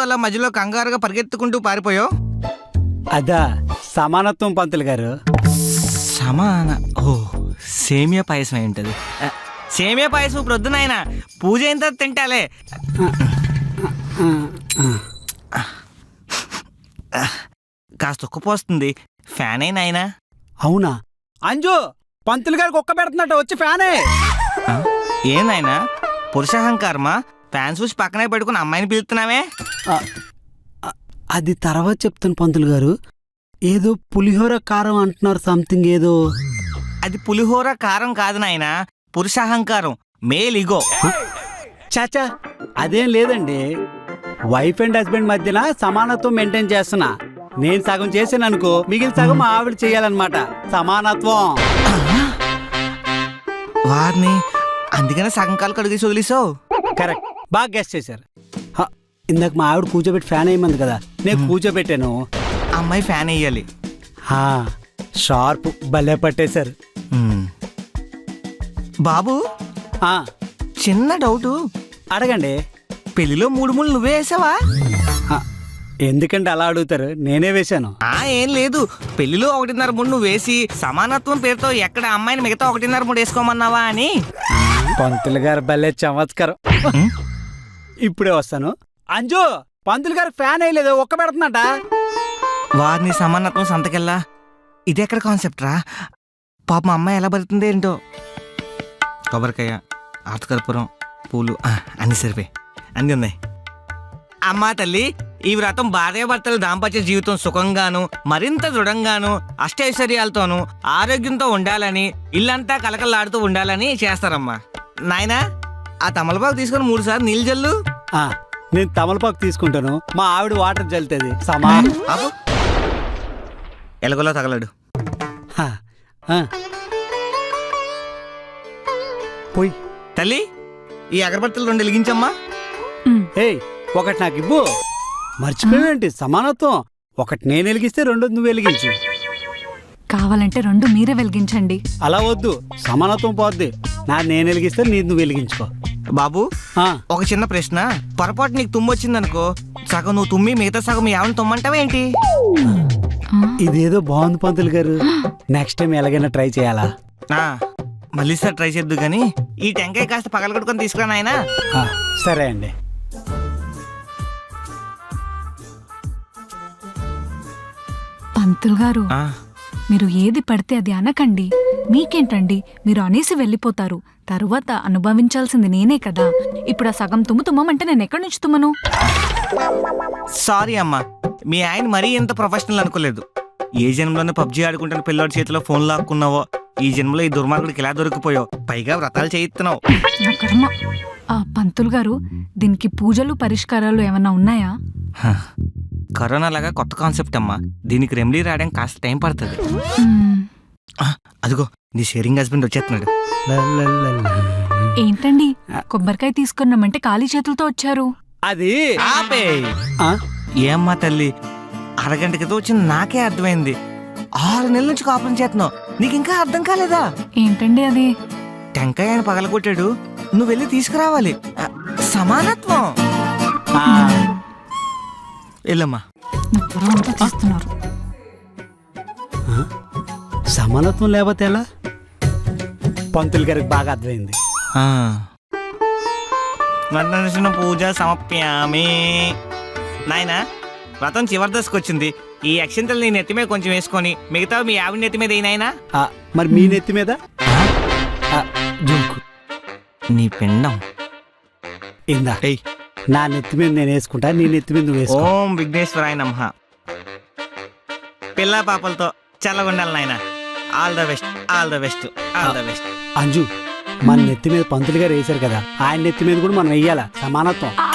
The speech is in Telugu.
అలా మధ్యలో కంగారుగా పరిగెత్తుకుంటూ పారిపోయావు? అదా సమానత్వం పంతులు గారు. సమాన ఓ సేమియా పాయసం అయి ఉంటుంది. సేమియా పాయసం ప్రొద్దునాయన పూజ అయిన తర్వాత తింటాలే. కాస్త ఉక్కపోస్తుంది, ఫ్యాన్ అయినా ఆయన. అవునా అంజు, పంతులు గారికి ఒక్క పెడుతున్నట్టు వచ్చి ఫ్యానే. ఏందైనా పురుషాహంకారమా? ఫ్యాన్ చూసి పక్కనే పెట్టుకుని అమ్మాయిని పిలుస్తున్నావే? అది తర్వాత చెప్తాను పంతులు గారు. ఏదో పులిహోర కారం అంటున్నారు, సంథింగ్ ఏదో. అది పులిహోర కారం కాదు నాయనా, పురుషాహంకారం, మేల్ ఇగో. చాచా అదేం లేదండి. వైఫ్ అండ్ హస్బెండ్ మధ్యన సమానత్వం మెయింటైన్ చేస్తున్నా. నేను సగం చేసాను అనుకో, మిగిలిన సగం మా ఆవిడ చెయ్యాలన్నమాట. సమానత్వం. వారిని అందుకనే సగం కాలు కడిగేసి వదిలేసావు. కరెక్ట్, బాగా గెస్ట్ చేశారు. ఇందాక మా ఆవిడ కూర్చోబెట్టి ఫ్యాన్ వేయమంది కదా, నేను కూర్చోబెట్టాను. అమ్మాయి ఫ్యాన్ వేయాలి. షార్ప్, భలే పట్టేశారు. బాబు చిన్న డౌటు అడగండి. పెళ్లిలో 3 ముళ్ళు నువ్వే వేసావా? ఎందుకంటే అలా అడుగుతారు, నేనే వేశాను. ఏం లేదు, పెళ్లిలో 1.5 ముళ్ళు నువ్వు వేసి సమానత్వం పేరుతో ఎక్కడ అమ్మాయిని మిగతా 1.5 ముళ్ళు వేసుకోమన్నావా అని. పంతులు గారు భలే చమత్కారం. ఇప్పుడే వస్తాను. అంజు, పంతులు గారు ఫ్యాన్ వేయలేదు, ఒక్క పెడుతున్నట. వారిని సమానత్వం సంతకెళ్ళా, ఇదెక్కడ కాన్సెప్ట్ రా? పాప మా అమ్మాయి ఎలా బతుకుతుంది ఏంటో. కొబ్బరికాయ, ఆర్తకర్పూరం, పూలు అన్ని సరిపోయి అన్నీ ఉన్నాయి. అమ్మా తల్లి, ఈ వ్రతం భార్యాభర్తల దాంపత్య జీవితం సుఖంగాను మరింత దృఢంగాను అష్టైశ్వర్యాలతోనూ ఆరోగ్యంతో ఉండాలని, ఇల్లంతా కలకలాడుతూ ఉండాలని చేస్తారమ్మా. నాయనా, ఆ తమలపాకు తీసుకుని 3 సార్లు నీళ్ళు జల్లు. నేను తమలపాకు తీసుకుంటాను, మా ఆవిడ వాటర్ జల్లుతుంది. సమానం. ఎలగలో తగలడు. పోయి తల్లి, ఈ అగరబత్తులు 2 వెలిగించమ్మా. ఒకటి నాకు ఇవ్వు. మర్చిపోయేంటి సమానత్వం? ఒకటి నేను వెలిగిస్తే 2 నువ్వు వెలిగించు. కావాలంటే 2 మీరే వెలిగించండి. అలా వద్దు, సమానత్వం పోద్ది. నేను వెలిగిస్తే నువ్వు వెలిగించుకో. బాబు, ఒక చిన్న ప్రశ్న. పొరపాటు నీకు తుమ్మొచ్చిందనుకో, సగం నువ్వు తుమ్మి మిగతా సగం ఎవరిని తుమ్మంటావేంటి? ఇదేదో బాగుంది పంతులు గారు. నెక్స్ట్ టైం ఎలాగైనా ట్రై చేయాలా? మళ్ళీ సార్ ట్రై చేద్దు గాని ఈ టెంకాయ కాస్త పగలగొట్టుకొని తీసుకురా నాయనా. సరే అండి. పంతులు గారు, మీరు ఏది పడితే అది అనకండి. మీకేంటండి, మీరు అనేసి వెళ్ళిపోతారు. తరువాత అనుభవించాల్సింది నేనే కదా. ఇప్పుడు ఆ సగం తుమ్మంటే నేను ఎక్కడి నుంచి తుమ్మను? సారీ అమ్మా, మీ ఆయన మరీ ఎంత ప్రొఫెషనల్ అనుకోలేదు. ఏ జన్మలోనే పబ్జీ ఆడుకుంటున్న పిల్లోడి చేతిలో ఫోన్ లాక్కున్నావో, ఈ జన్మలో ఈ దుర్మార్గుడికి ఇలా దొరికిపోయావు. పైగా వ్రతాలు చేయిస్తున్నావు. పంతులు గారు, దీనికి పూజలు పరిష్కారాలు ఏమన్నా ఉన్నాయా? కరోనా లాగా కొత్త కాన్సెప్ట్ అమ్మా, దీనికి రెమెడీ రావడానికి కాస్త టైం పడుతుంది. అదిగో నీ షేరింగ్ హస్బెండ్ వచ్చేస్తున్నాడు. ఏంటండి, కొబ్బరికాయ తీసుకున్నామంటే ఖాళీ చేతులతో వచ్చారు? అది ఏమ్మా తల్లి, అరగంట క్రితం వచ్చింది నాకే అర్థమైంది. 6 నెలల నుంచి కాపురం చేస్తున్నావు, నీకు ఇంకా అర్థం కాలేదా? ఏంటండి అది? టెంకాయ ఆయన పగలగొట్టాడు, నువ్వు వెళ్ళి తీసుకురావాలి. సమానత్వం. వెళ్ళమ్మా. సమానత్వం లేకపోతే ఎలా? పంతులు గారికి బాగా అర్థమైంది. పూజ సమప్యామి. నాయనా, వ్రతం చివరి దశకు వచ్చింది. ఈ అక్షంతలు నీ నెత్తి మీద కొంచెం వేసుకొని మిగతా మీ ఆవిడ నెత్తి మీద అయినాయినా. మరి మీ నెత్తి మీద నీ పిండం ఇందా. నా నెత్తి మీద నేను వేసుకుంటా, నీ నెత్తి మీద నువ్వు వేసుకో. ఓం విఘ్నేశ్వరాయ నమః. పిల్ల పాపలతో చల్లగుండాలి నాయనా. All the best, all the best, all the best. Anju, మన నెత్తి మీద పంతులు గారు వేశారు కదా, ఆయన నెత్తి మీద కూడా మనం వెయ్యాలా సమానత్వం.